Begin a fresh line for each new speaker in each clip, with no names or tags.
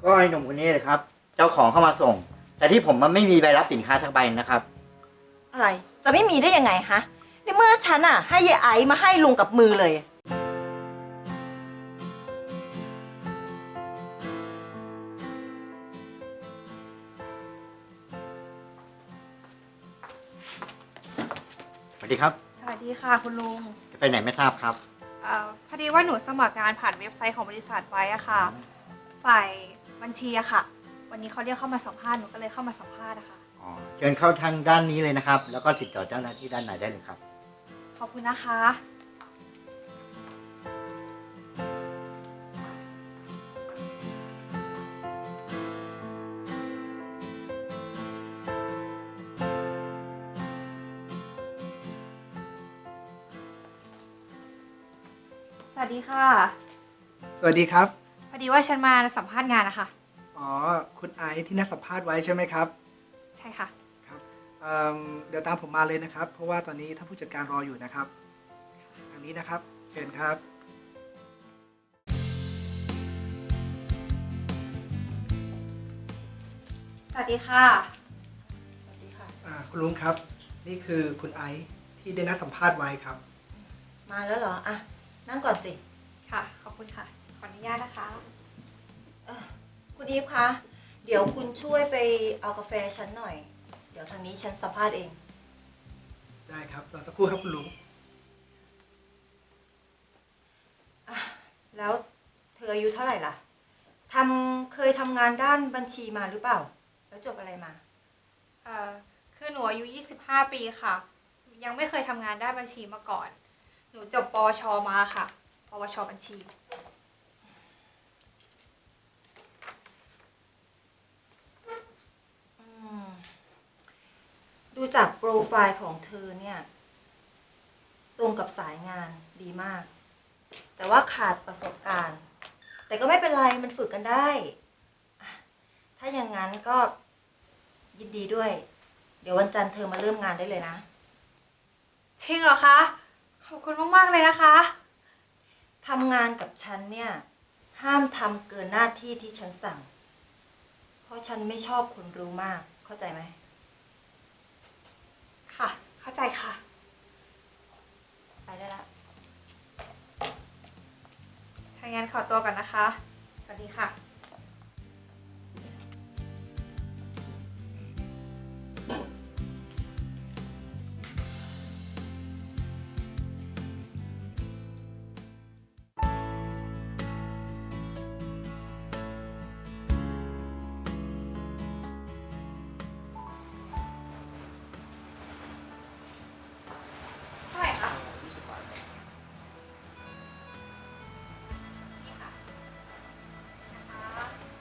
ก็ไอ้หนุ่มคนนี้เลยครับเจ้าของเข้ามาส่ง แต่ที่ผมมันไม่มีใบรับสินค้าสักใบนะครับ
อะไรจะไม่มีได้ยังไงฮะในเมื่อฉันอะให้ยายไอซ์มาให้ลุงกับมือเลย
สวัสดีครับ
สวัสดีค่ะคุณลุง
จะไปไหนไม่ทราบครับ
พอดีว่าหนูสมัครงานผ่านเว็บไซต์ของบริษัทไว้อะค่ะ ฝ่ายบัญชีอะค่ะ วันนี้เขาเรียกเข้ามาสัมภาษณ์หนูก็เลยเข้ามาสัมภาษณ์อะค่ะ
อ๋อเชิญเข้าทางด้านนี้เลยนะครับ แล้วก็ติดต่อเจ้าหน้าที่ด้านไหนได้เลยครับ
ขอบคุณนะคะ สวัสดีค่ะ
สวัสดีครับ
พอดีว่าฉันมาสัมภาษณ์งานนะคะ
อ๋อ คุณไอซ์ที่นัดสัมภาษณ์ไว้ใช่ไหมครับ
ใช่ค่ะ
ครับเดี๋ยวตามผมมาเลยนะครับ เพราะว่าตอนนี้ท่านผู้จัดการรออยู่นะครับ อันนี้นะครับ เชิญครับ
สวัสดีค่ะ
สวัสดีค่ะ
คุณลุงครับ นี่คือคุณไอซ์ที่ได้นัดสัมภาษณ์ไว้ครับ
มาแล้วเหรออะนั่งก่อนสิ
ค่ะ ขอบคุณค่ะ ขออนุญาตนะคะ
คุณอีฟคะเดี๋ยวคุณช่วยไปเอากาแฟฉันหน่อย เดี๋ยวทางนี้ฉันสัมภาษณ์เอง
ได้ครับรอสักครู่ครับคุณลุง
แล้วเธออายุเท่าไหร่ล่ะเคยทำงานด้านบัญชีมาหรือเปล่า แล้วจบอะไรมา
คือหนูอายุ 25 ปีค่ะ ยังไม่เคยทำงานด้านบัญชีมาก่อน หนูจบปวช มาค่ะ ปวช บัญชี
ดูจากโปรไฟล์ของเธอเนี่ย ตรงกับสายงานดีมาก แต่ว่าขาดประสบการณ์ แต่ก็ไม่เป็นไรมันฝึกกันได้อ่ะถ้าอย่างนั้นก็ยินดีด้วย เดี๋ยววันจันทร์เธอมาเริ่มงานได้เลยนะ
จริงเหรอคะ ขอบคุณมากๆเลยนะคะ
ทำงานกับฉันเนี่ย ห้ามทำเกินหน้าที่ที่ฉันสั่ง เพราะฉันไม่ชอบคนรู้มาก เข้าใจไหม
ค่ะ เข้าใจค่ะ
ไปได้ละ
ถ้างั้นขอตัวก่อนนะคะ สวัสดีค่ะ เท่าไหร่คะนี่ค่ะนะคะ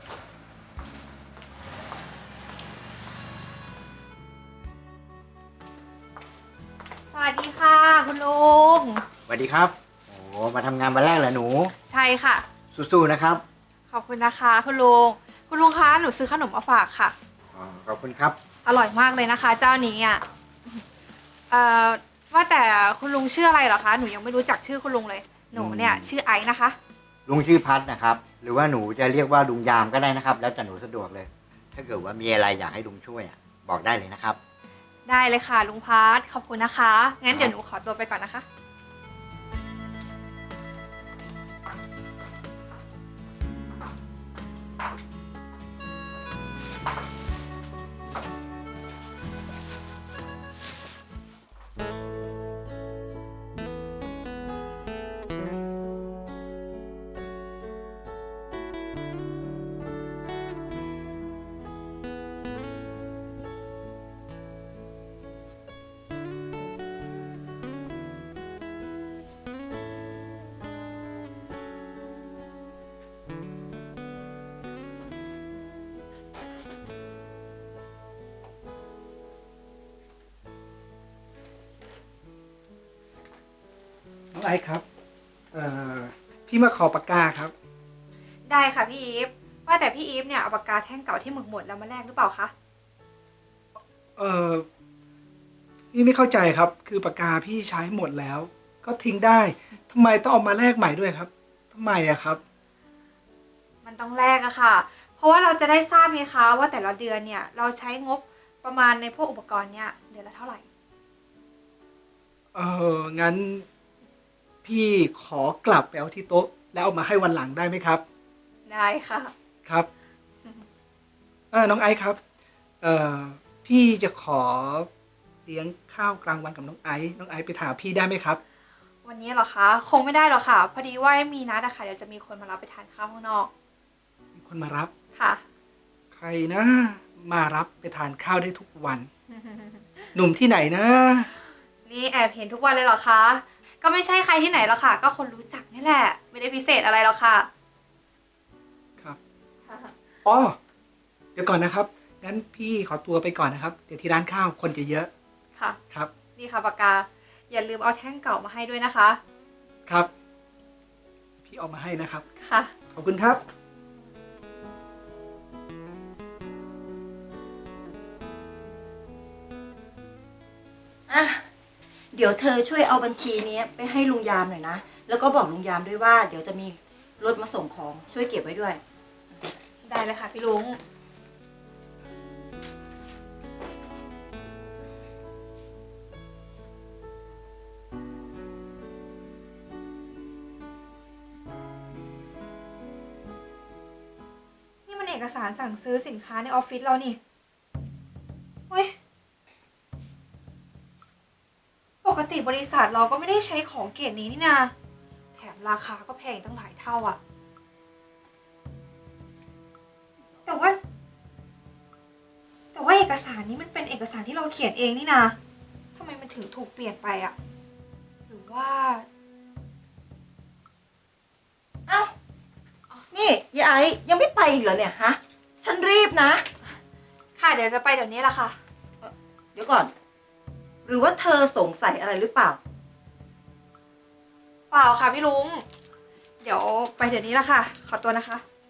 สวัสดีค่ะ คุณลุง
สวัสดีครับ โอ้มาทำงานวันแรกเหรอหนู
ใช่ค่ะ
สู้ๆนะครับ
ขอบคุณนะคะคุณลุง คุณลุงคะหนูซื้อขนมมาฝากค่ะ
อ๋อขอบคุณครับ
อร่อยมากเลยนะคะ เจ้านี้อ่ะว่าแต่คุณลุงชื่ออะไรเหรอคะ หนูยังไม่รู้จักชื่อคุณลุงเลย หนูเนี่ยชื่อไอซ์นะคะ
ลุงชื่อพัดนะครับ หรือว่าหนูจะเรียกว่าลุงยามก็ได้นะครับ แล้วแต่หนูสะดวกเลย ถ้าเกิดว่ามีอะไรอยากให้ลุงช่วยบอกได้เลยนะครับ
ได้เลยค่ะลุงพัทขอบคุณนะคะ งั้นเดี๋ยวหนูขอตัวไปก่อนนะคะ
น้องไอซ์ครับ พี่มาขอปากกาครับ
ได้ค่ะพี่อีฟ ว่าแต่พี่อีฟเนี่ยเอาปากกาแท่งเก่าที่หมึกหมดแล้วมาแลกหรือเปล่าคะ
พี่ไม่เข้าใจครับ คือปากกาพี่ใช้หมดแล้ว ก็ทิ้งได้ทำไมต้องเอามาแลกใหม่ด้วยครับทำไมอะครับ
มันต้องแลกอะค่ะ เพราะว่าเราจะได้ทราบไงคะว่าแต่ละเดือนเนี่ยเราใช้งบประมาณในพวกอุปกรณ์เนี่ยเดือนละเท่าไหร่
งั้นพี่ขอกลับไปเอาที่โต๊ะ แล้วเอามาให้วันหลังได้ไหมครับ
ได้ค่ะ
ครับน้องไอซ์ครับพี่จะขอเลี้ยงข้าวกลางวันกับน้องไอซ์ไปถามพี่ได้ไหมครับ
วันนี้เหรอคะคงไม่ได้หรอกค่ะ พอดีว่ามีนัดอะค่ะเดี๋ยวจะมีคนมารับไปทานข้าวข้างนอก
มีคนมารับ
ค่ะ
ใครนะ มารับไปทานข้าวได้ทุกวัน หนุ่มที่ไหนนะ
นี่แอบเห็นทุกวันเลยเหรอคะก็ไม่ใช่ใครที่ไหนหรอกค่ะ ก็คนรู้จักนี่แหละ ไม่ได้พิเศษอะไรหรอกค่ะ
ครับ
ค่ะ
อ๋อเดี๋ยวก่อนนะครับงั้นพี่ขอตัวไปก่อนนะครับ เดี๋ยวที่ร้านข้าวคนจะเยอะ
ค่ะ
ครับ
นี่ค่ะปากกา อย่าลืมเอาแท่งเก่ามาให้ด้วยนะคะ
ครับ พี่เอามาให้นะครับ
ค่ะ
ขอบคุณครับ
อ่ะ เดี๋ยวเธอช่วยเอาบัญชีนี้ไปให้ลุงยามหน่อยนะ แล้วก็บอกลุงยามด้วยว่าเดี๋ยวจะมีรถมาส่งของช่วยเก็บไว้ด้วย
ได้เลยค่ะพี่ลุง นี่มันเอกสารสั่งซื้อสินค้าในออฟฟิศเรานี่เฮ้ย ปกติบริษัทเราก็ไม่ได้ใช้ของเกรดนี้นี่นาแถมราคาก็แพงตั้งหลายเท่าอะแต่ว่าเอกสารนี้มันเป็นเอกสารที่เราเขียนเองนี่นาทำไมมันถึงถูกเปลี่ยนไปอะหรือว่า
เอ้า นี่ยายไอ้ยังไม่ไปอีกเหรอเนี่ยฮะ ฉันรีบนะ
ค่ะเดี๋ยวจะไปเดี๋ยวนี้ละค่ะ
เดี๋ยวก่อน หรือว่าเธอสงสัยอะไรหรือเปล่า
เปล่าค่ะพี่ลุง เดี๋ยวไปเดี๋ยวนี้ละค่ะ ขอตัวนะคะ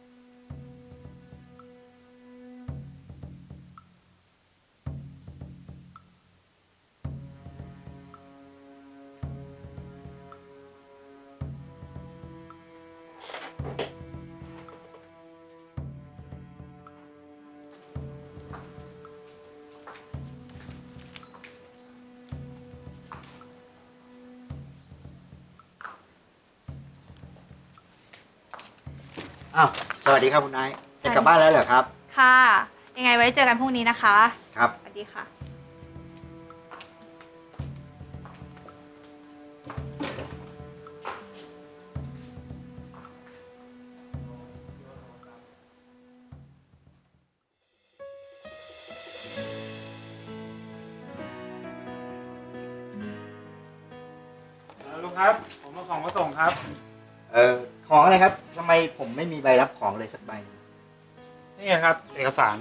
อ้าวสวัสดีครับคุณไอซ์จะกลับบ้านแล้วเหรอครับ
ค่ะ ยังไงไว้เจอกันพรุ่งนี้นะคะ
ครับ
สวัสดีค่ะ
ลุงครับ ผมเอาของมาส่งครับ
ของอะไรครับทำไมผมไม่มีใบรับของเลยสักใบ
นี่ครับ เอกสาร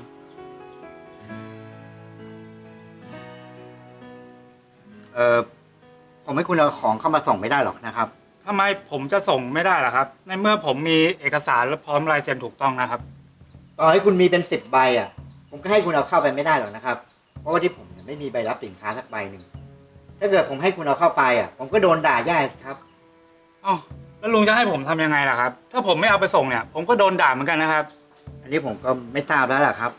ผมให้คุณเอาของเข้ามาส่งไม่ได้หรอกนะครับ
ทำไมผมจะส่งไม่ได้ล่ะครับ ในเมื่อผมมีเอกสารและพร้อมลายเซ็นถูกต้องนะครับ
ต่อให้คุณมีเป็น10 ใบอ่ะ ผมก็ให้คุณเอาเข้าไปไม่ได้หรอกนะครับ เพราะว่าที่ผมเนี่ยไม่มีใบรับสินค้าสักใบหนึ่ง ถ้าเกิดผมให้คุณเอาเข้าไปอ่ะ ผมก็โดนด่าแย่ครับ
อ้าวแล้วลุงจะให้ผมทำยังไงล่ะครับ ถ้าผมไม่เอาไปส่งเนี่ย ผมก็โดนด่าเหมือนกันนะครับ
อันนี้ผมก็ไม่ทราบแล้วล่ะครับ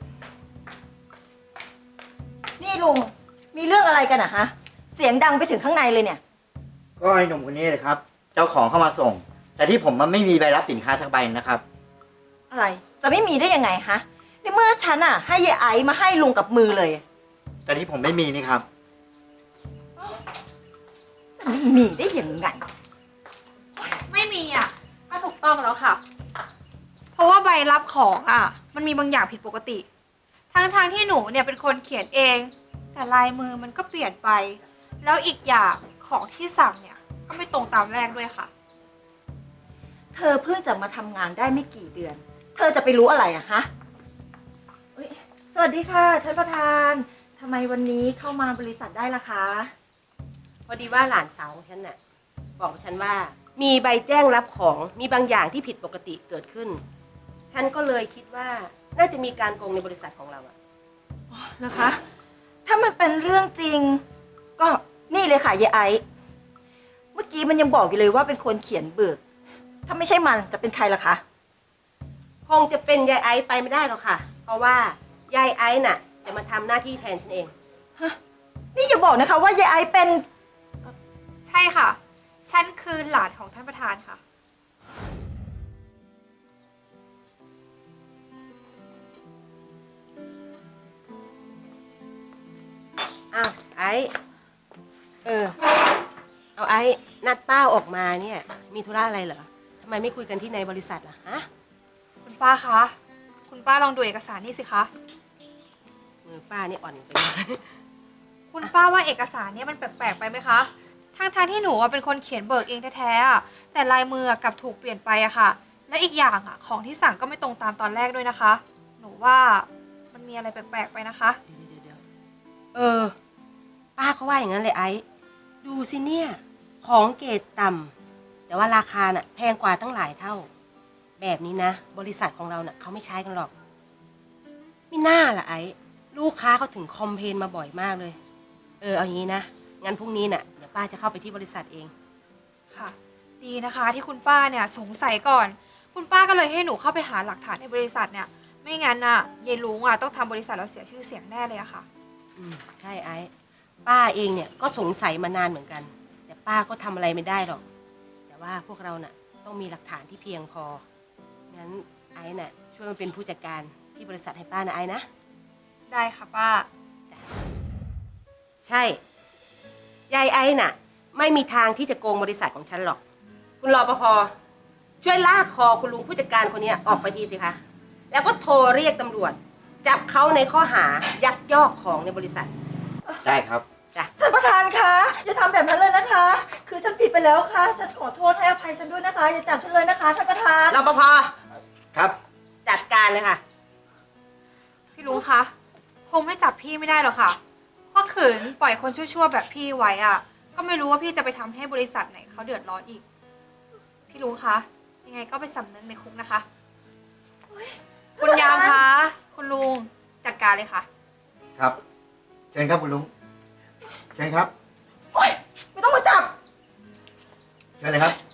นี่ลุง มีเรื่องอะไรกันอะฮะ เสียงดังไปถึงข้างในเลยเนี่ย
ก็ไอ้หนุ่มคนนี้เลยครับ เจ้าของเข้ามาส่ง แต่ที่ผมมันไม่มีใบรับสินค้าสักใบนะครับ
อะไร จะไม่มีได้ยังไงฮะในเมื่อฉันอะให้ยายไอ้มาให้ลุงกับมือเลย
แต่ที่ผมไม่มีนี่ครับ
จะไม่มีได้ยังไง
ไม่มีอ่ะก็ถูกต้องแล้วค่ะ เพราะว่าใบรับของอ่ะ มันมีบางอย่างผิดปกติ ทั้งที่หนูเนี่ยเป็นคนเขียนเอง แต่ลายมือมันก็เปลี่ยนไป แล้วอีกอย่างของที่สั่งเนี่ย ก็ไม่ตรงตามแรกด้วยค่ะ
เธอเพิ่งจะมาทำงานได้ไม่กี่เดือน เธอจะไปรู้อะไรอะฮะเอ้ยสวัสดีค่ะท่านประธานทำไมวันนี้เข้ามาบริษัทได้ล่ะคะ
พอดีว่าหลานสาวของฉันน่ะบอกฉันว่ามีใบแจ้งรับของมีบางอย่างที่ผิดปกติเกิดขึ้น ฉันก็เลยคิดว่าน่าจะมีการโกงในบริษัทของเราอะ
นะคะ ถ้ามันเป็นเรื่องจริง ก็นี่เลยค่ะยายไอซ์เมื่อกี้มันยังบอกอยู่เลยว่าเป็นคนเขียนเบิก ถ้าไม่ใช่มันจะเป็นใครล่ะคะ
คงจะเป็นยายไอซ์ไปไม่ได้หรอกค่ะ เพราะว่ายายไอซ์น่ะ จะมาทำหน้าที่แทนฉันเอง
นี่อย่าบอกนะคะว่ายายไอซ์เป็น
ใช่ค่ะ ฉันคือหลานของท่านประธานค่ะ
อ้าวไอซ์เอาไอซ์นัดป้าออกมาเนี่ย มีธุระอะไรเหรอทำไมไม่คุยกันที่ในบริษัทล่ะฮะ
คุณป้าคะ คุณป้าลองดูเอกสารนี่สิคะ
มือป้านี่อ่อนไปหน่อย
คุณป้าว่าเอกสารเนี่ยมันแปลกๆไปไหมคะทางที่หนูอะเป็นคนเขียนเบิกเองแท้ๆอะแต่ลายมือกลับถูกเปลี่ยนไปอะค่ะ และอีกอย่างอะของที่สั่งก็ไม่ตรงตามตอนแรกด้วยนะคะ หนูว่ามันมีอะไรแปลกๆไปนะคะ
เดี๋ยวป้าก็ว่าอย่างนั้นเลยไอซ์ดูสิเนี่ย ของเกรดต่ำแต่ว่าราคาน่ะแพงกว่าตั้งหลายเท่า แบบนี้นะ บริษัทของเราน่ะเขาไม่ใช้กันหรอกไม่น่าล่ะไอซ์ลูกค้าเขาถึงคอมเพลนมาบ่อยมากเลย เอาอย่างนี้นะ งั้นพรุ่งนี้น่ะเดี๋ยวป้าจะเข้าไปที่บริษัทเอง
ค่ะ ดีนะคะที่คุณป้าเนี่ยสงสัยก่อน คุณป้าก็เลยให้หนูเข้าไปหาหลักฐานในบริษัทเนี่ย ไม่งั้นน่ะยายลุงอะต้องทำบริษัทเราเสียชื่อเสียงแน่เลยอะค่ะ
ใช่ไอ้ป้าเองเนี่ยก็สงสัยมานานเหมือนกัน แต่ป้าก็ทำอะไรไม่ได้หรอก แต่ว่าพวกเราน่ะต้องมีหลักฐานที่เพียงพองั้นไอ้น่ะช่วยมาเป็นผู้จัดการที่บริษัทให้ป้านะไอ้นะ
ได้ค่ะป้า
ใช่ยายไอ้น่ะ ไม่มีทางที่จะโกงบริษัทของฉันหรอก คุณรปภช่วยลากคอคุณลุงผู้จัดการคนเนี้ยออกไปทีสิคะแล้วก็โทรเรียกตำรวจ จับเขาในข้อหายักยอกของในบริษัท
ได้ครับ
จ้ะ
ท่านประธานคะอย่าทำแบบนั้นเลยนะคะ คือฉันผิดไปแล้วค่ะฉันขอโทษให้อภัยฉันด้วยนะคะ อย่าจับฉันเลยนะคะท่านประธาน
รปภ
ครับ
จัดการเลยค่ะ
พี่ลุงคะ คงไม่จับพี่ไม่ได้หรอกค่ะเพราะขืนปล่อยคนชั่วๆแบบพี่ไว้อะก็ไม่รู้ว่าพี่จะไปทำให้บริษัทไหนเขาเดือดร้อนอีก พี่ลุงคะ ยังไงก็ไปสำนึกในคุกนะคะ คุณยามคะ คุณลุงจัดการเลยค่ะ
ครับ เชิญครับคุณลุง เชิญครับ
โอ๊ยไม่ต้องมาจับ
เชิญเลยครับ